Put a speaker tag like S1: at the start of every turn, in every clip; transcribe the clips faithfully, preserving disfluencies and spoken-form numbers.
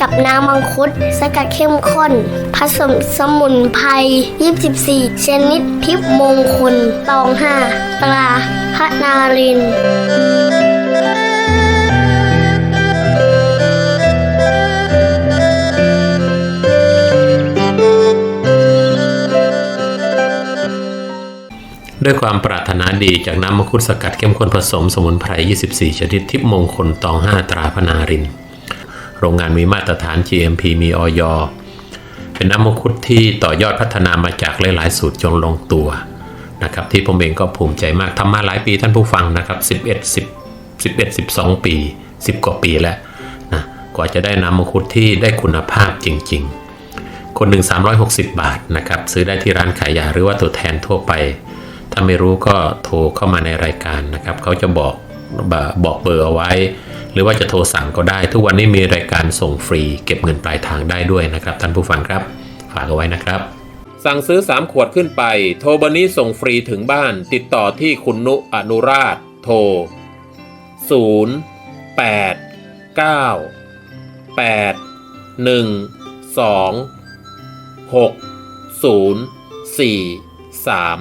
S1: กับน้ำมังคุดสกัดเข้มข้นผสมสมุนไพรยี่สิบสี่ชนิดทิพย์มงคลตองห้าตราพระนารินทร์
S2: ด้วยความปรารถนาดีจากน้ำมังคุดสกัดเข้มข้นผสมสมุนไพรยี่สิบสี่ชนิดทิพย์มงคลตองห้าตราพระนารินทร์โรงงานมีมาตรฐาน จี เอ็ม พี มี อย. เป็นน้ำมังคุดที่ต่อยอดพัฒนามาจากหลายๆสูตรจนลงตัวนะครับที่ผมเองก็ภูมิใจมากทำมาหลายปีท่านผู้ฟังนะครับสิบเอ็ด สิบ สิบเอ็ด สิบสองปีสิบกว่าปีแล้วนะกว่าจะได้น้ำมังคุดที่ได้คุณภาพจริงๆคนหนึ่งสามร้อยหกสิบบาทนะครับซื้อได้ที่ร้านขายยาหรือว่าตัวแทนทั่วไปถ้าไม่รู้ก็โทรเข้ามาในรายการนะครับเขาจะบอกบอกเบอร์เอาไว้หรือว่าจะโทรสั่งก็ได้ทุกวันนี้มีรายการส่งฟรีเก็บเงินปลายทางได้ด้วยนะครับท่านผู้ฟังครับฝากเอาไว้นะครับสั่งซื้อสามขวดขึ้นไปโทรเบอร์นี้ส่งฟรีถึงบ้านติดต่อที่คุณนุอนุราชโทรศูนย์ แปด เก้า แปด หนึ่ง สอง หก ศูนย์ สี่ สาม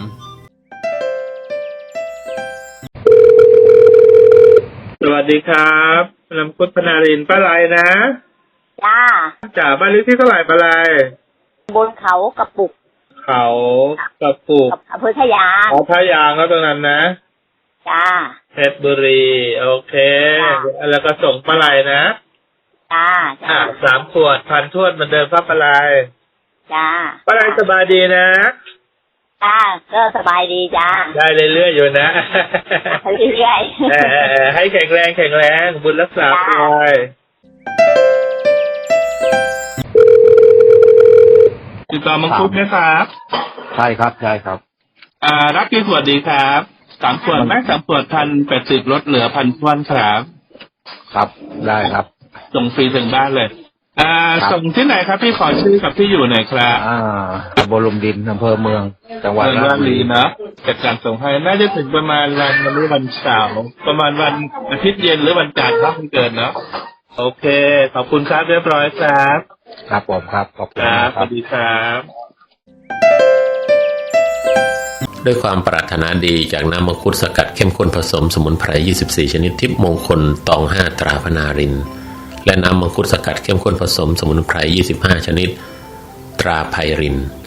S3: สวัสดีครับน้ำคุดพนารินทร์ป้าไรนะ
S4: จ้า
S3: จ่าบ้านเลขที่เท่าไหร่ป้าไร
S4: บนเขากระปุก
S3: เขากระปุก
S4: อำเภอทะยาง
S3: อ๋อทะยางแล้วตรงนั้นนะ
S4: จ้า
S3: เพชรบุรีโอเคแล้วก็ส่งป้าไรนะ
S4: จ้า
S3: อ่าสามขวดพันทวดเหมือนเดิมครับป้าไร
S4: จ้า
S3: ป้าไรสบายดีนะ
S4: จ้าก็สบายดีจ้า
S3: ได้เรื่อยๆอยู่นะ
S4: เรื่อย
S3: ๆให้แข็งแรงแข็งแรงบุญรักษาไปติดต่อมังคุดไหมครับ
S5: ใช่ครับใช่ครับ
S3: อ่ารับกี่ขวดดีครับสามขวดแม็กสามขวดพันแปดสิบลดเหลือพันทวนครับ
S5: ครับได้ครับ
S3: ส่งฟรีถึงบ้านเลยอ่าส่งที่ไหนครับพี่ขอชื่อกับที่อยู่หน่อยครับ
S5: อ่าตำบลลุมดินอำเภอเมืองจังหวัด
S3: ราชบุรีนะจัดการส่งให้น่าจะถึงประมาณวันวันนี้วันเสาร์ประมาณวันอาทิตย์เย็นหรือวันจันทร์ครับมันเกินเนาะโอเคขอบคุณครับเรียบร้อยครับ
S5: ครับผมครับขอบคุณ
S3: ครับสวัสดีครับ
S2: ด้วยความปรารถนาดีจากน้ำมังคุดสกัดเข้มข้นผสมสมุนไพรยี่สิบสี่ชนิดทิพย์มงคลตองห้าตราพระนารินทร์และน้ำมังคุดสกัดเข้มข้นผสมสมุนไพรยี่สิบห้าชนิดตราไพรินทร์